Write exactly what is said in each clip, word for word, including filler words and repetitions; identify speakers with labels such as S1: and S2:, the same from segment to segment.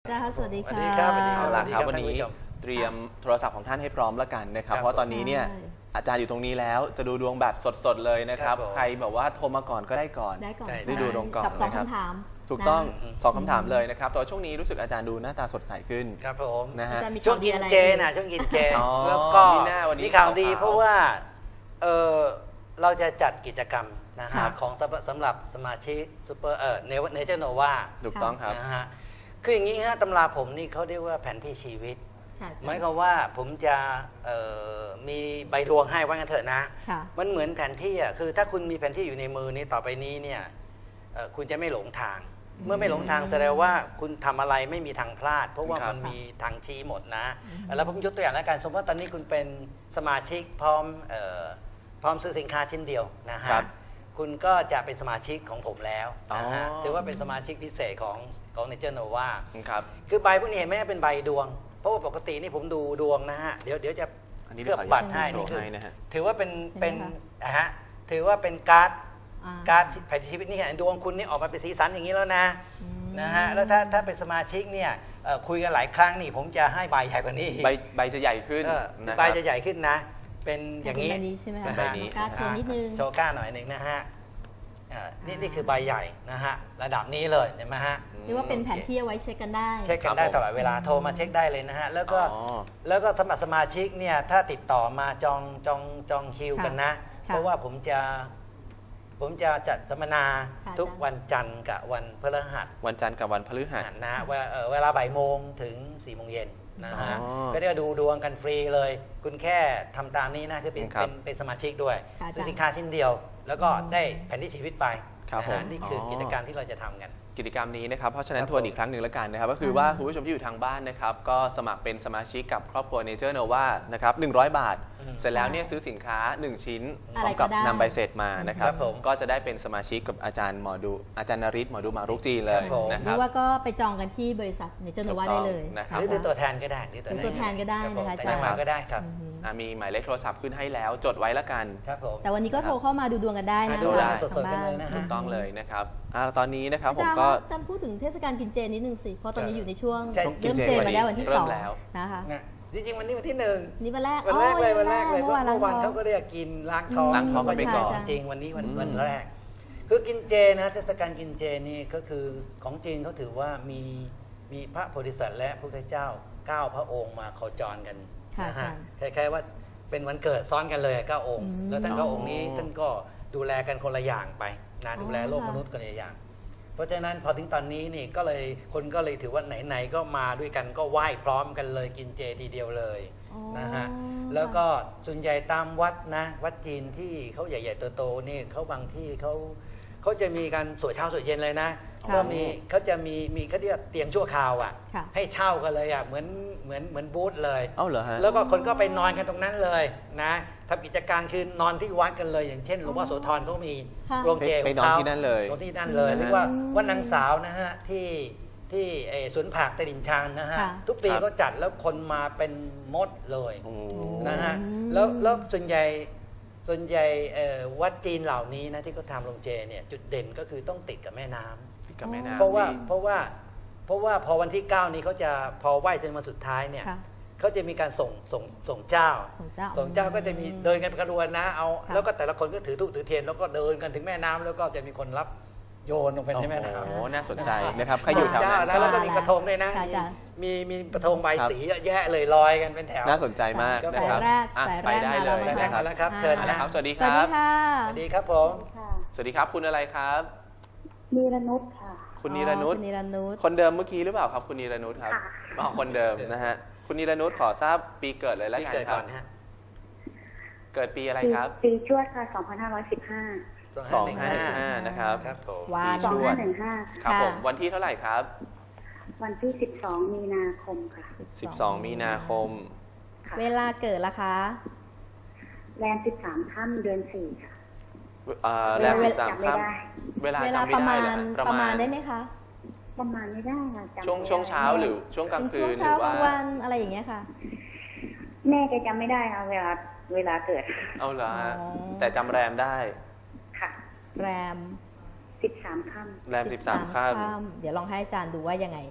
S1: จ้าสวัสดีค่ะ
S2: สวัสดีครับสวัสดี
S3: เอาล่ะครับ
S2: ครับ
S3: วันนี้
S2: ท่านผู้ชม
S3: เตรียมโทรศัพท์ของท่านให้พร้อมแล้วกันนะครับ
S2: ครับ
S3: เพราะตอนนี้เนี่ย
S1: ใช่
S3: อาจารย์อยู่ตรงนี้แล้วจะดูดวงแบบสดๆเลยนะครับ
S2: ครับผม
S3: ใครแบบว่าโทรมาก่อนก็ได้ก่อน
S1: ได้ก่อน
S2: ใช่
S3: ได้ดูดวงก่อน
S1: กับสอง
S3: นะครับ
S1: คำถาม
S3: ถูกต้อง
S1: นะ
S3: สองคำถามเลยนะครับแต่ว่าช่วงนี้รู้สึกอาจารย์ดูหน้าตาสดใสขึ้น
S2: ครับผม
S3: นะฮะ
S1: อาจารย์มี
S2: ช่วงกิน
S1: ข่าวดีอะไร
S2: เจนะช่วงกินเจ
S3: อ๋อ
S2: แล้วก็
S3: มีหน้าวันนี้
S2: มีข่าวดี
S3: ขาวๆ
S2: เพราะว่าเออเราจะจัดกิจกรรมนะฮะ
S1: ค่ะ
S2: ของสำหรับสำหรับสมาชิกซูเปอร์เออเนเนเจอร์โนวา
S3: ถูกต้องครับ
S2: นะฮะคืออย่างนี้ฮะตำราผมนี่เขาเรียกว่าแผนที่ชีวิต
S1: ค่ะ
S2: หมายความว่าผมจะเอ่อมีใบดวงให้ว่างั้นเถอะนะ
S1: ค่ะ
S2: มันเหมือนแผนที่อ่ะคือถ้าคุณมีแผนที่อยู่ในมือนี้ต่อไปนี้เนี่ยเอ่อคุณจะไม่หลงทาง เมื่อไม่หลงทางแสดงว่าคุณทำอะไรไม่มีทางพลาด เพราะว่า
S3: ครับ
S2: มันมีทางชี้หมดนะ
S1: อืม
S2: แล้วผมยกตัวอย่างแล้วกันสมมติว่าตอนนี้คุณเป็นสมาชิกพร้อมเอ่อพร้อมซื้อสินค้าชิ้นเดียวนะฮะ
S3: ครับ
S2: คุณก็จะเป็นสมาชิกของผมแล้วนะฮะ
S3: อ๋อ
S2: ถือว่าเป็นสมาชิกพิเศษของของเนเจอร์โนวา
S3: ครับ
S2: คือใบพวกนี้เห็นไหมเป็นใบดวง เพราะว่าปกตินี่ผมดูดวงนะฮะ เดี๋ยวเดี๋ยวจะ
S3: อันนี้
S2: เคลือบ
S3: เดี๋ยวขอ
S2: บัตรให้
S3: โชว์
S2: นี่คือ
S3: ให้นะฮะ
S2: ถือว่าเป็น
S1: ใช่ไหม
S2: เป็น
S1: คะ
S2: อ่ะฮะถือว่าเป็นการ์ด
S1: อ่า
S2: การ์ดแผนที่ชีวิตนี่ดวงคุณนี่ออกมาเป็นสีสันอย่างนี้แล้วนะ
S1: อืม
S2: นะฮะแล้วถ้าถ้าเป็นสมาชิกเนี่ยเอ่อคุยกันหลายครั้งนี่ผมจะให้ใบใหญ่กว่านี้อีก
S3: ใบใบจะใหญ่ขึ้น
S2: เออ
S3: นะค
S2: ใบ
S3: รับ
S2: จะใหญ่ขึ้นนะ เป็นอย่างนี้
S1: เป็นใบนี้ใช่ไหมคะ
S2: นะ
S3: ใบ
S2: ฮะ
S3: นี้
S1: การ์ดโชว์นิดนึง
S2: โชว์ก้าหน่อยหนึ่งนะฮะเอ่อนี่นี่คือใบใหญ่นะฮะระดับนี้เลยเห็นไหมฮะ
S1: เรียกว่าเป็นแผนที่เอาไว้เช็คกันได้
S2: เช็คกันได้
S3: ครับผม
S2: ตลอดเวลาโทรมาเช็คได้เลยนะฮะแล้วก็
S3: อ๋อ
S2: แล้วก็สมัครสมาชิกเนี่ยถ้าติดต่อมาจองจองจองคิว
S1: ค่ะ
S2: กันนะ
S1: ค่ะ
S2: เพราะว่าผมจะผมจะจัดสัมมนา
S1: ค่ะ
S2: ทุก
S1: อาจารย์
S2: วันจันทร์กับวันพฤหัส
S3: วันจันทร์กับวันพฤหัส
S2: นะฮะเวลาเอ่อเวลาบ่ายโมงถึงสี่โมงเย็นนะฮะ
S3: อ๋อ
S2: ก็ได้ดูดวงกันฟรีเลย คุณแค่ทำตามนี้นะคือเป็น
S3: ครับ
S2: เป็นเป็นสมาชิกด้วย
S1: ค่ะอาจารย์
S2: ซื้อสินค้าชิ้นเดียว แล้วก็ได้แผนที่ชีวิตไป
S3: ครับ
S2: นะฮะ
S3: ผม
S2: นี่คืออ
S3: อ
S2: กิจกรรมที่เราจะทำกัน
S3: กิจกรรมนี้นะครับเพราะฉะนั้น
S2: ครับ
S3: ทวน
S2: ผม
S3: อีกครั้งหนึ่งแล้วกันนะครับก็คือว่าคุณผู้ชมที่อยู่ทางบ้านนะครับก็สมัครเป็นสมาชิกกับครอบครัวเนเจอร์โนวานะครับหนึ่งร้อยบาท
S2: อืม
S3: เสร็จแล้วเนี่ยซื้อสินค้าหนึ่งชิ้นพ
S1: อะ
S3: ร้
S1: ไร
S3: อม
S1: ก็
S3: กับ
S1: ได้
S3: นำใบเสร็จมานะครับ
S2: ครับผม
S3: ก็จะได้เป็นสมาชิกกับอาจารย์หมอดูอาจารย์นฤทธิ์หมอดูหมารุกจีนเลย
S2: ครับผม
S3: นะ
S1: ห
S3: ค
S1: รื
S3: รับ
S1: อว่าก็ไปจองกันที่บริษัทเนเจอร์โนวา
S3: ถูกต้
S1: ได้
S3: อง
S1: เลย
S3: นะครับ
S2: หรือเป็นตัวแทนก็ได้หรือ
S1: เป็นตัวแทนก็ได้
S2: รับผม
S1: นะคะ
S2: แต่
S1: อาจารย์
S2: งมาก็ได้ครับ
S1: อืม
S3: อ่ะมีหมายเลขโทรศัพท์ขึ้นให้แล้วจดไว้ละกัน
S2: ครับผม
S1: แต่วันนี้ก็โทรเข้ามาดูดวงกันได้นะ
S2: อ่าดู
S3: ได้
S2: สดๆกันเลยนะฮะ
S3: ถูกต้องเลยนะครับอ่ะตอนนี้นะครับ
S1: อา
S3: ผม
S1: จารย์
S3: ก็
S1: อาจารย์พูดถึงเทศกาลกินเจนิดนึงสิ เพราะตอนนี้อยู่ในช่วง
S2: ใช่
S1: เริ่มเจมาแล้ววันที่
S3: เริ่
S1: ส
S3: ม
S1: อง
S3: แล้ว
S1: นะคะ
S2: นะจริงๆวันนี้วันที่หนึ่ง
S1: นี่วันแรก
S2: วันแรกเลยวันแรกเลย
S1: เมื่
S2: เพ
S1: อ
S2: ราะ
S1: วาน
S2: เมื่อวัน
S1: ล้างท้อง
S2: เขาก็เรียกกินล้างท้อง
S3: ล้างท้องกันไปก่อน
S2: จริงๆวันนี้วัน
S3: อืม
S2: วันแรก คือกินเจนะเทศกาลกินเจนี่ก็คือของจีนเขาถือว่ามีมีพระโพธิสัตว์และพระพุทธเจ้าเก้าพระองค์มาโคจรกัน
S1: ค่ะ
S2: นะฮะ
S1: อาจารย์
S2: คล้ายๆว่าเป็นวันเกิดซ้อนกันเลยเก้าองค์
S1: อืม
S2: แล้วท่านเก้าองค์นี้
S3: อ๋อ
S2: ท่านก็ดูแลกันคนละอย่างไปนะ
S1: อ๋อ
S2: ดูแลโลก
S1: ค่ะ
S2: มนุษย์คนละอย่าง เพราะฉะนั้นพอถึงตอนนี้นี่ก็เลยคนก็เลยถือว่าไหนๆก็มาด้วยกันก็ไหว้พร้อมกันเลยกินเจทีเดียวเลย
S1: อ๋อ
S2: นะฮะแล้วก็ส่วนใหญ่ตามวัดนะวัดจีนที่เขาใหญ่ๆโตๆนี่เขาบางที่เขาเขาจะมีการสวดเช้าสวดเย็นเลยนะ
S1: ค่ะ
S2: ก็มีเขาจะมีมีเขาเรียกเตียงชั่วคราวอ่ะ
S1: ค่ะ
S2: ให้เช่ากันเลยอ่ะเหมือนเหมือนเหมือนบูธเลย
S3: เอ้าเหรอฮะ
S2: แล้วก็คนก็ไปนอนกันตรงนั้นเลยนะทำกิจการคือนอนที่วัดกันเลย อย่างเช่นหลวงพ่อโสธรเขามี
S1: ค่ะ
S2: โรงเจ
S3: ไป
S2: ของ
S3: นอน
S2: เขา
S3: ที่นั่นเลย
S2: นอนที่นั่นเลย
S3: อืม
S2: เรียกว่าว่านางสาวนะฮะที่ที่ไอ้สวนผักตลิ่งชันนะฮะ
S1: ค่ะ
S2: ทุกปี
S3: ครับ
S2: เขาจัดแล้วคนมาเป็นมดเลย
S3: โอ้
S2: นะฮะ
S1: อืม
S2: แล้วแล้วส่วนใหญ่ส่วนใหญ่เอ่อวัดจีนเหล่านี้นะที่เขาทำโรงเจเนี่ยจุดเด่นก็คือต้องติดกับแม่น้ำ
S3: กับแม่น้ำ
S2: เพราะว่า
S3: ที่
S2: เพราะว่าเพราะว่าพอวันที่เก้านี้เขาจะพอไหว้จนวันสุดท้ายเนี่ย
S1: ค่ะ
S2: เขาจะมีการส่งส่งส่งเจ้า
S1: ส่งเจ้า
S2: ส่งเจ้าก็จะมีเดินกันเป็นกระดวนนะเอา
S1: ค่ะ
S2: แล้วก็แต่ละคนก็ถือธูปถือเทียนแล้วก็เดินกันถึงแม่น้ำแล้วก็จะมีคนรับโยนลงไปในแม่น้ำ
S3: โอ้โหน่าสนใจนะครับใครอยู่แถวนั้น
S2: เจ้าแล้วก็มีกระทงด้วยนะ
S1: ค่ะ
S2: มี
S1: อาจารย์
S2: มีมีกระทงใบ
S3: ครับ
S2: สีเยอะแยะเลยลอยกันเป็นแถว
S3: น่าสนใจมากนะครับ
S1: สายแรก
S3: อ่ะ
S1: สาย
S3: ไป
S1: แรก
S3: ได้
S1: มา
S3: เล
S1: แล้ว
S3: ย
S2: สายแรก
S3: นะครับ
S2: มาแล้วครับ
S1: อ่า
S2: เชิญ
S3: นะ
S2: นะ
S3: ครับสวัสดี
S1: ส
S3: ค
S1: วัส
S3: รั
S1: ดี
S3: บ
S1: ค่ะ
S2: สวัสดีครับผม
S4: ค่ะ
S3: สวัสดีครับคุณอะไรครับ
S4: มีรนุชค่ะ
S3: คุณนิรนุช
S1: คุณนิรนุช
S3: คนเดิมเมื่อกี้หรือเปล่าครับคุณนิรนุชครับ
S4: ค่ะ
S3: อ๋อคนเดิมนะฮะคุณนิรนุชขอทราบปีเกิดเลยแล้ว
S2: พี่
S3: กัน
S2: เกิด
S3: ครั
S2: ก่อบ นฮะ
S3: เกิดปีอะไรครับ
S4: ปีชวดค่ะ สองพันห้าร้อยสิบห้า
S3: สองห้าหนึ่งห้านะครับ
S2: ครับผม
S1: วาน
S3: ปี
S4: สอ
S3: ช
S4: ง
S3: ว
S4: ห้า
S3: ด
S4: หนึ่งห้า
S3: ครับ
S1: ค่ะ
S3: ผมวันที่เท่าไหร่ครับ
S4: วันที่สิบสองมีนาคมค่ะ
S3: สิบสองมีนาคม
S4: ค่ะ
S1: เวลาเกิดละคะ
S4: แรมสิบสามค่ำเดือนสี่ค่ะ
S3: เอ่อแรม
S1: เวลา
S3: สิบสาม
S4: จำไม่
S3: ค่
S4: ได้
S3: ำเวลา
S1: เวลา
S3: จำ
S1: ประ
S3: ไม่
S1: มา
S3: ได้
S1: ณ
S3: เหรอฮะ
S1: ประมาณได้ไหมคะ
S4: ประมาณไม่ได้ค่ะจำ
S3: ช่วง
S4: ไม่ได้
S3: ช่วงเช้าหรือช่วงกลาง
S1: เป็น
S3: คื
S1: ช่วง
S3: นห
S1: เช้า
S3: รือก
S1: ลา
S3: ว่า
S1: งวันอะไรอย่างเงี้ยค่ะ
S4: แม่แกจำไม่ได้ค่ะเวลาเวลาเกิด
S3: เอาละ
S1: อ๋อ
S3: แต่จำแรมได้
S4: ค่ะ
S1: แรม
S4: สิบสามค่
S3: แรมสิบสามค่
S1: เดี๋ยวลองให้อาจารย์ดูว่ายังไง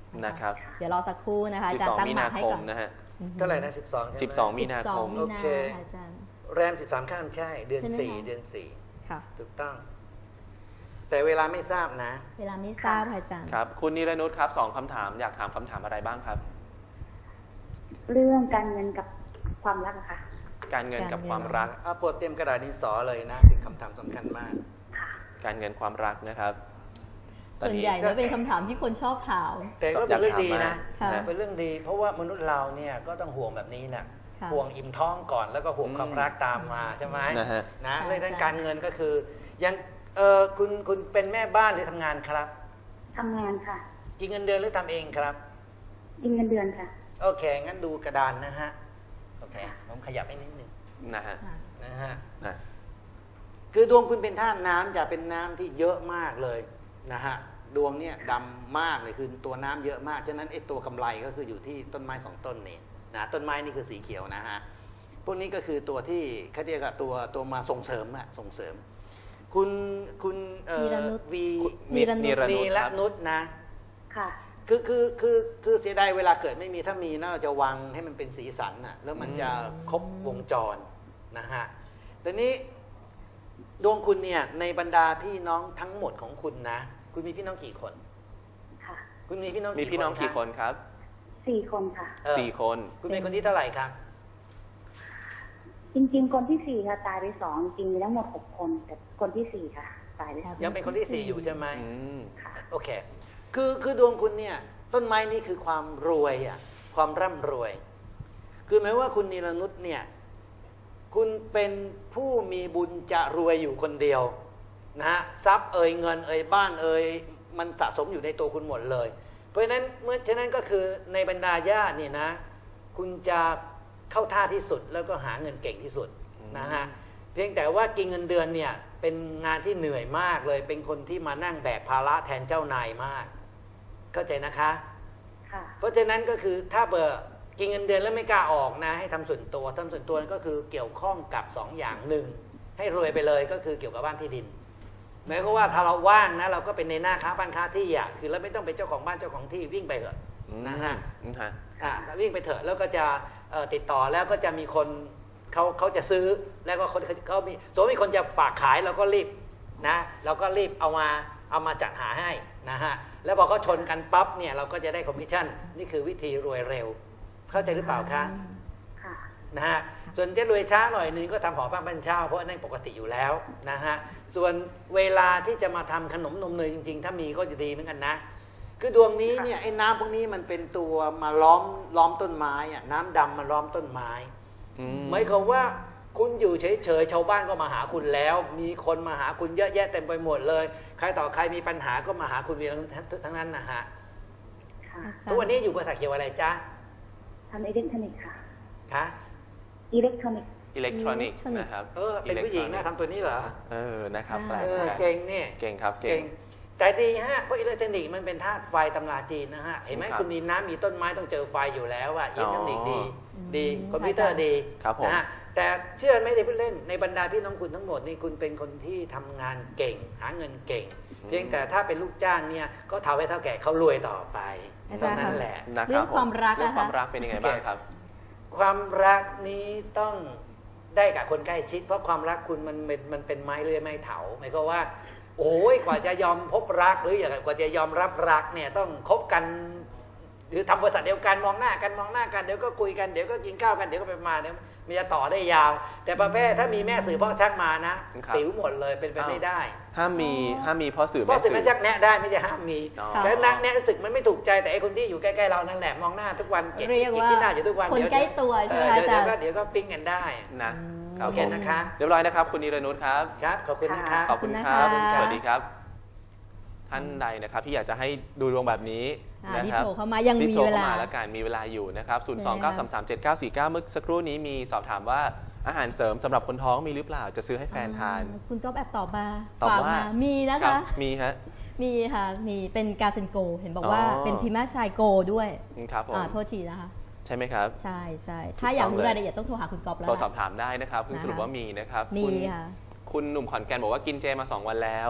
S3: นะครับ
S1: เดี๋ยวรอสักครู่นะคะอาจารย์ตั้ง
S3: มี
S1: หมา
S3: นา
S1: ให้
S3: ค
S1: ก่
S3: ม
S1: อน
S3: นะฮะ
S2: เท่าไหร่นะสิบสองใช่ไหม
S3: สิบสองมีนาคม
S1: สิบสองมี
S2: โอ
S1: นา
S2: เค
S1: ค่ะอาจารย์
S2: แรมสิบสามข้ามใช่ เดือน
S1: ใช่ไหม
S2: สี่
S1: คะ
S2: เดือนสี่
S1: ค่ะ
S2: ถูกต้อง แต่เวลาไม่ทราบนะ
S1: เวลาไม่ทราบค่ะอาจารย์
S3: ครับ คุณนิรนุชครับสองคำถามอยากถามคำถามอะไรบ้างครับ
S4: เรื่องการเงินกับความรักอะค่ะ
S3: การเงินกับ
S1: การเงิน
S3: ความรัก
S2: เอาโปรดเตรียมกระดาษดินสอเลยนะเป็นคำถามสำคัญมาก
S4: ค่ะ
S3: การเงินความรักนะครับตอ
S1: ส่วนใหญ่แล้วเป็นคำถามที่คนชอบถาม
S2: แต่ก็เป็นเรื่องดีนะ
S1: ค่ะ
S2: เป็นเรื่องดี เพราะว่ามนุษย์เราเนี่ยก็ต้องห่วงแบบนี้นะ
S1: ค่ะ
S2: ห่วงอิ่มท้องก่อนแล้วก็ห่วง
S3: อืม
S2: ความรักตามมาใช่ไหม
S3: นะฮะ
S2: นะ
S1: ใช่
S2: เลยด้าน
S1: ใช่
S2: การเงินก็คือยังเออคุณคุณเป็นแม่บ้านหรือทำงานครับ
S4: ทำงานค่ะ
S2: กินเงินเดือนหรือทำเองครับ
S4: กินเงินเดือนค่ะ
S2: โอเค งั้นดูกระดานนะฮะ โอเค ผมขยับให้นิดนึง
S3: นะฮะ
S1: ค่ะ
S2: นะฮะ
S3: นะ
S2: คือดวงคุณเป็นธาตุน้ำจะเป็นน้ำที่เยอะมากเลยนะฮะ ดวงเนี่ยดำมากเลยคือตัวน้ำเยอะมาก ฉะนั้นไอ้ตัวกำไรก็คืออยู่ที่ต้นไม้สองต้นนี่นะต้นไม้นี่คือสีเขียวนะฮะ พวกนี้ก็คือตัวที่เขาเรียกว่าตัวตัวมาส่งเสริมอะส่งเสริม คุณคุณเอ่อ
S1: นิรนุช
S2: วี
S1: นิรนุช
S3: นิรนุช
S2: นี
S3: ค
S2: ละ
S3: รับ
S2: นุชนะ
S4: ค่ะ
S2: คือคือคือคือเสียดายเวลาเกิดไม่มีถ้ามีน่าจะวางให้มันเป็นสีสันน่ะแล้วมันจะครบวงจรนะฮะแต่นี้ดวงคุณเนี่ยในบรรดาพี่น้องทั้งหมดของคุณนะ คุณมีพี่น้องกี่คน
S4: ค่ะ
S2: คุณมีพี่น้อง
S3: มีพี่น้องกี่คน
S2: คะ
S3: ครับ
S4: สี่คนค่ะ
S2: เออ
S3: สี่คน
S2: คุณเป็นคนที่เท่าไหร่ครับ
S4: จริงๆ คนที่สี่ค่ะ ตายไปสองจริงๆมีทั้งหมดหกคน แต่คนที่สี่ค่ะ ตายไปสอง
S2: ยังเป็นคนที่สี่อยู่ใช่ไหม
S3: อืม
S4: ค่ะ
S2: โอเค คือคือดวงคุณเนี่ยต้นไม้นี่คือความรวยอ่ะความร่ำรวย คือหมายว่าคุณนิรนุชเนี่ยคุณเป็นผู้มีบุญจะรวยอยู่คนเดียวนะฮะทรัพย์เอ่ยเงินเอ่ยบ้านเอ่ยมันสะสมอยู่ในตัวคุณหมดเลย เพราะฉะนั้นเมื่อฉะนั้นก็คือในบรรดาญาติเนี่ยนะคุณจะเข้าท่าที่สุดแล้วก็หาเงินเก่งที่สุดนะฮะเพียงแต่ว่ากินเงินเดือนเนี่ยเป็นงานที่เหนื่อยมากเลย เป็นคนที่มานั่งแบกภาระแทนเจ้านายมาก เข้าใจนะคะ
S4: ค่ะ
S2: เพราะฉะนั้นก็คือถ้าเบอร์กินเงินเดือนแล้วไม่กล้าออกนะให้ทำส่วนตัวทำส่วนตัวก็คือเกี่ยวข้องกับสองอย่างหนึ่งให้รวยไปเลยก็คือเกี่ยวกับบ้านที่ดินหมายความว่าถ้าเราว่างนะเราก็เป็นในหน้าค้าบ้านค้าที่อ่ะคือเราไม่ต้องเป็นเจ้าของบ้านเจ้าของที่วิ่งไปเถอะ
S3: อืม
S2: นะฮะ
S3: อืมฮะ
S2: อ่าวิ่งไปเถอะแล้วก็จะเอ่อติดต่อแล้วก็จะมีคนเขาเขาจะซื้อแล้วก็คนเขาเขามีสมมติมีคนจะฝากขายเราก็รีบนะเราก็รีบเอามาเอามาจัดหาให้นะฮะแล้วพอเขาชนกันปั๊บเนี่ยเราก็จะได้คอมมิชชั่นนี่คือวิธีรวยเร็ว เข้าใจหรือเปล่าคะ
S4: ค่ะ
S2: นะฮะส่วนจะรวยช้าหน่อยนึงก็ทำหอบ้านบ้านเช่าเพราะนั่นปกติอยู่แล้วนะฮะส่วนเวลาที่จะมาทำขนมนมเนยจริงๆ ถ้ามีก็จะดีเหมือนกันนะคือดวงนี้เนี่ยไอ้น้ำพวกนี้มันเป็นตัวมาล้อมล้อมต้นไม้อะน้ำดำมาล้อมต้นไม้
S3: อืม
S2: หมายความว่าคุณอยู่เฉยๆชาวบ้านก็มาหาคุณแล้ว มีคนมาหาคุณเยอะแยะเต็มไปหมดเลย ใครต่อใครมีปัญหาก็มาหาคุณเวียทั้งนั้นนะฮะ
S4: ค่ะ
S2: ทุกวันนี้อยู่บริษัทเกี่ยวอะไรจ๊ะ
S4: ทำอิเล็กทรอนิกส์ค่ะ
S2: คะ
S4: อิเล็กทรอนิกส์
S3: อิเล็กทรอนิกส์
S1: อิเล็กทรอนิกส์
S3: นะครับ
S2: เออเป็นผู้หญิงนะทำตัวนี้เหรอ
S3: เออนะครับ
S1: อ่า
S3: แปลก
S2: เออ
S3: แปลก
S2: เก่งเนี่ย
S3: เก่งครับ เก่
S2: เก่
S3: ง
S2: งแต่ดีฮะเพราะอิเล็กทรอนิกส์มันเป็นธาตุไฟตำราจีนนะฮะเห็นไหม
S3: ครับ
S2: คุณมีน้ำมีต้นไม้ต้องเจอไฟอยู่แล้วอะอิเล็กทรอนิกส์ดี
S1: อ๋อ
S2: ดี
S1: อืม
S2: คอมพิวเตอร์ดี
S3: ครับผม
S2: นะฮะแต่เชื่อไม่ได้พูดเล่นในบรรดาพี่น้องคุณทั้งหมดนี่คุณเป็นคนที่ทำงานเก่ง หาเงินเก่ง เพียงแต่ถ้าเป็นลูกจ้างเนี่ยก็ทำให้เท่าแก่เขารวยต่อไป
S1: อาจา
S2: เท่าร
S1: ย์
S2: นั้น
S1: ค่ะ
S2: แหละ
S3: นะคบ
S1: เรื่องความรัก
S3: เรื่อง
S1: นะคะ
S3: ความรักเป็นยังไงบ้างครับ
S2: ความรักนี้ต้องได้กับคนใกล้ชิด เพราะความรักคุณมันมันมันเป็นไม้เลื่อยไม้เถาหมายความว่า โอ้ยกว่าจะยอมพบรักหรืออย่างกว่าจะยอมรับรักเนี่ยต้องคบกัน หรือทำบริษัทเดียวกันมองหน้ากันมองหน้ากันเดี๋ยวก็คุยกันเดี๋ยวก็กินข้าวกันเดี๋ยวก็ไปมาเดี๋ยวมันจะต่อได้ยาว แต่ประเภทถ้ามีแม่สื่อพ่อชักมานะครับ ติ๋วหมดเลยเป็นไปไม่ได้
S3: ห้ามมีห้ามมีพ่อสื่อ
S2: พ่อ
S3: แม่
S2: สื่
S3: สื่
S2: อ
S3: อ
S2: แม่ชักแนะได้ไม่ใช่ห้ามมี
S3: อ๋อ
S2: แต่นักแนะรู้สึกมันไม่ถูกใจแต่ไอ้คนที่อยู่ใกล้ๆเรานั่นแหละมองหน้าทุกวันเกลียด
S1: เรียก
S2: ที่
S1: ว่า
S2: ที่หน้าอยู่ทุกวัน
S1: คน
S2: เดี๋ยว
S1: ใกล้ตัวใช่ไหม
S2: เออเดี๋ยว
S1: อาจารย์
S2: เดี๋ยวก็เดี๋ยวก็ปิ้งกันได้
S3: นะ
S1: อืม
S3: ครับ
S2: โอเค
S3: ผม
S2: นะคะ
S3: เรียบร้อยนะครับ คุณนิรนุชครับ
S2: ครับขอบคุณนะคะ
S3: ขอบคุณค
S1: ข
S3: รั
S1: อบบ คุณนะคะ
S3: สวัสดีครับ ท่านใดนะครับที่อยากจะให้ดูดวงแบบนี้
S1: อ่า
S3: นะครับ
S1: รีบโทรเข้ามายัง
S3: รีบ
S1: มี
S3: โทร
S1: เวลา
S3: เข้ามาแล้วกันมีเวลาอยู่นะครับ ศูนย์ สอง
S1: ใช่
S3: เก้า
S1: ค่ะ
S3: สาม สาม เจ็ด เก้า สี่ เก้า เมื่อสักครู่นี้มีสอบถามว่าอาหารเสริมสำหรับคนท้องมีหรือเปล่าจะซื้อให้แฟนทาน
S1: อ่คุณก็แอบตอบมา
S3: ตอบ
S1: ฝาก
S3: ว่า
S1: มามีนะ
S3: รั
S1: คะ
S3: บมีฮะ
S1: มีค่ะ มีเป็นกาเซนโก เห็นบอกว่า
S3: อ๋อ
S1: เป็นพิมาชายโกด้วย
S3: ครับผม
S1: อ่าโทษทีนะคะ
S3: ใช่ไหมครับ
S1: ใช่ใช่ถ้าอยากรู้รายละเอียดต้องโทรหาคุณก๊อฟแล้ว
S3: โทร
S1: ล่ะ
S3: สอบถามได้นะครับเพิ่ง
S1: นะคะ
S3: สรุปว่ามีนะครับ
S1: มี
S3: คุณ
S1: ค่ะ
S3: คุณหนุ่มขอนแก่นบอกว่ากินเจมาสองวันแล้ว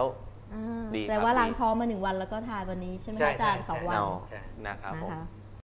S1: อ่า
S3: ดีครับ
S1: แต่ว่า
S3: ดี
S1: ล้างท้องมาหนึ่งวันแล้วก็ทานวันนี้ใช่ไหม
S2: ใช่
S1: คะอาจารย์
S2: ใช่
S1: สองวัน
S3: เอา
S2: ใช่
S3: นะครับ
S1: นะ
S3: ผม
S1: คะ